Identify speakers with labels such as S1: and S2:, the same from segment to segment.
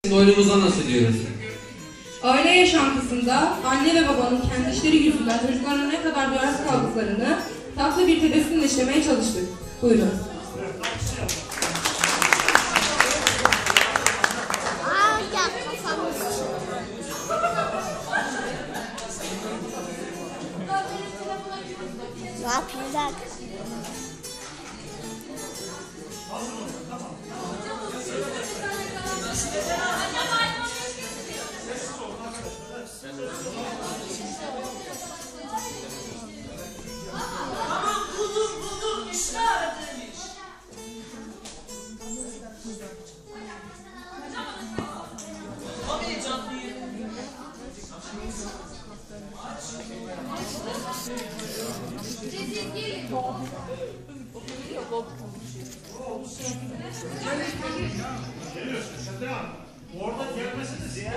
S1: Oyunumuza nasıl diyoruz?
S2: Aile yaşantısında anne ve babanın kendi işleri yüzünden çocuklarına ne kadar duyarsız kaldıklarını tatlı bir tebessümle işlemeye çalıştık. Buyurun.
S3: Ne yapacak?
S4: Aman buldum işte aradığım iş. Tam heyecanlıyım.
S5: Orada gelmesiniz ya.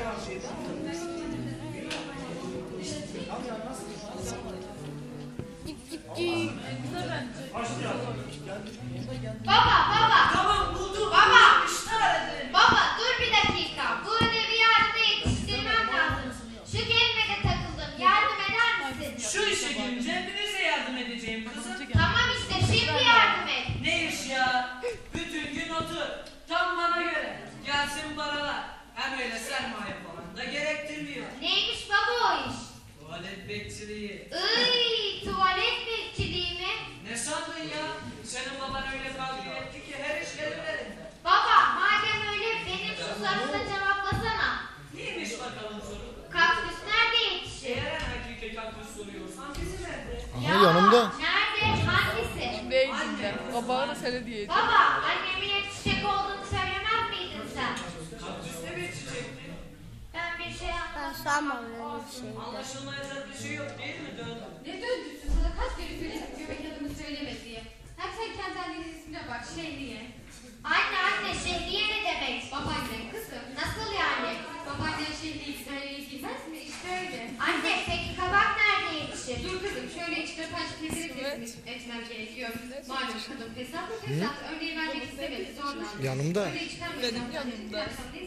S6: Baba.
S4: Tamam buldum.
S6: Baba.
S4: İşte aradığım.
S6: Baba dur bir dakika. Bu ödevi yardıma yetiştirmem lazım. Şu kelimede takıldım. Yardım eder misin?
S4: Şu işe girince hepinize yardım edeceğim kızım.
S6: Tamam işte şimdi yardım et.
S4: Ne iş ya? Bütün gün otur. Tam bana göre. Gelsin paralar. Hem öyle sermaye falan da gerektirmiyor.
S6: Neymiş baba o iş?
S4: Tuvalet bekçiliği.
S6: Tuvalet bekçiliği mi?
S4: Ne sandın ya? Senin baban öyle kavga etti ki her iş gelir elinde.
S6: Baba madem öyle benim şu soruna cevaplasana.
S4: Neymiş bakalım soru?
S6: Kaktüs nerede yetişir?
S4: Eğer hakiki kaktüs soruyorsan bizim evde.
S3: Aha yanımda.
S6: Nerede? Hangisi?
S7: Beyciğimde. Babağı da sana diyeceğim.
S6: Baba annemin yetişecek olduğunu söylemez miydin sen?
S4: Kaktüs ne bekçiyecekti?
S6: Ben bir şey
S3: Ben
S6: anlamadım.
S3: sanmam öyle bir şey.
S4: Anlaşılmayacak bir şey yok değil mi döndü?
S2: Ne döndürsün sana kaç kere söyledim göbek adımı söyleme diye. Hem sen kendi annenin ismine bak Şehriye.
S6: Anne Şehriye ne demek?
S2: Babaannem kızım.
S6: Nasıl yani?
S2: Babaannen Şehriye'yi söylemeyi bilmez mi? İşte öyle.
S6: Anne peki kabak nerede yetişir?
S2: Dur kızım şöyle içine taş keserek etmem gerekiyor. Malum kadın fesat mı fesat? Örneği vermek istemedi zorla.
S3: Yanımda.
S2: Öyle çıkarmıyor.
S7: Benim yanımda.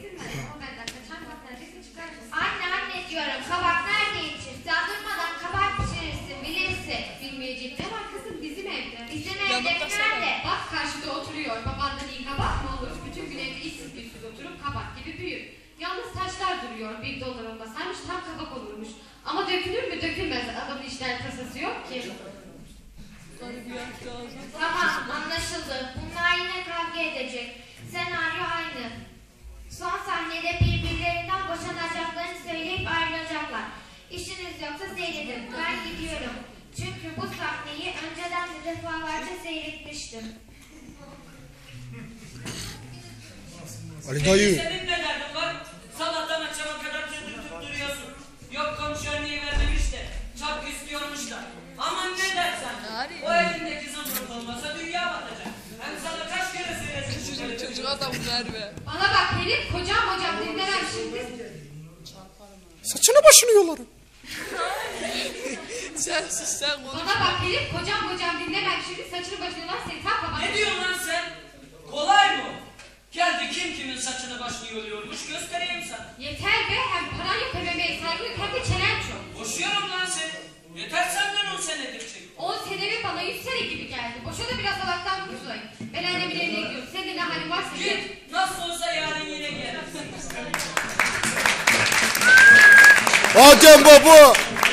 S6: Anne diyorum kabak nerede yetişir? Sen durmadan kabak pişirirsin bilirsin.
S2: Bilmeyecek ne var kızım bizim evde.
S6: Bizim
S7: Yanımda
S6: evde
S7: sana.
S6: nerede?
S2: Bak karşıda oturuyor. Babandan iyi kabak mı olur? Bütün gün evde işsiz güçsüz oturup kabak gibi büyür. Yalnız taşlar duruyor. $1 olmasaymış tam kabak olurmuş. Ama dökülür mü dökülmez. Adamın işler tasası yok ki.
S6: Tamam anlaşıldı. Bunlar yine kavga edecek. Senaryo aynı. Son sahnede birbirlerinden boşanacaklarını söyleyip ayrılacaklar. İşiniz yoksa seyredin. Ben gidiyorum. Çünkü bu sahneyi önceden de defalarca seyretmiştim.
S3: Ali dayı.
S4: Senin ne derdin var? Sabahtan akşama kadar tüttürtüp duruyorsun. Yok komşu örneği vermemiş de çap istiyormuş da. Aman ne dersen. O elindeki zımbırt olmasa dünya batacak. Hem sana kaç kere söylesin.
S7: Çocuk adam verme.
S2: Bana bak herif kocam dinlemem şimdi.
S3: Saçını başını yolarım.
S7: Sen sus sen konuş.
S2: Bana bak herif kocam dinlemem şimdi saçını başını lan seni tak babana.
S4: Ne diyorsun lan sen? Kolay mı? Geldi kim kimin saçını başını yoluyormuş göstereyim sana.
S2: Yeter be hem paran yok hem emeğe saygı yok hem de çenen çok.
S4: Boşuyorum lan seni. Yeter senden 10 senedir çek.
S2: 10 senemi bana 100 sene gibi geldi. Boşa da biraz Allah'tan kurtulayım. Ben annemin evine gidiyorum. Senin de ne halin varsa git.
S4: Git. Nasıl olsa yarın yine gelirsin.
S3: Adem baba.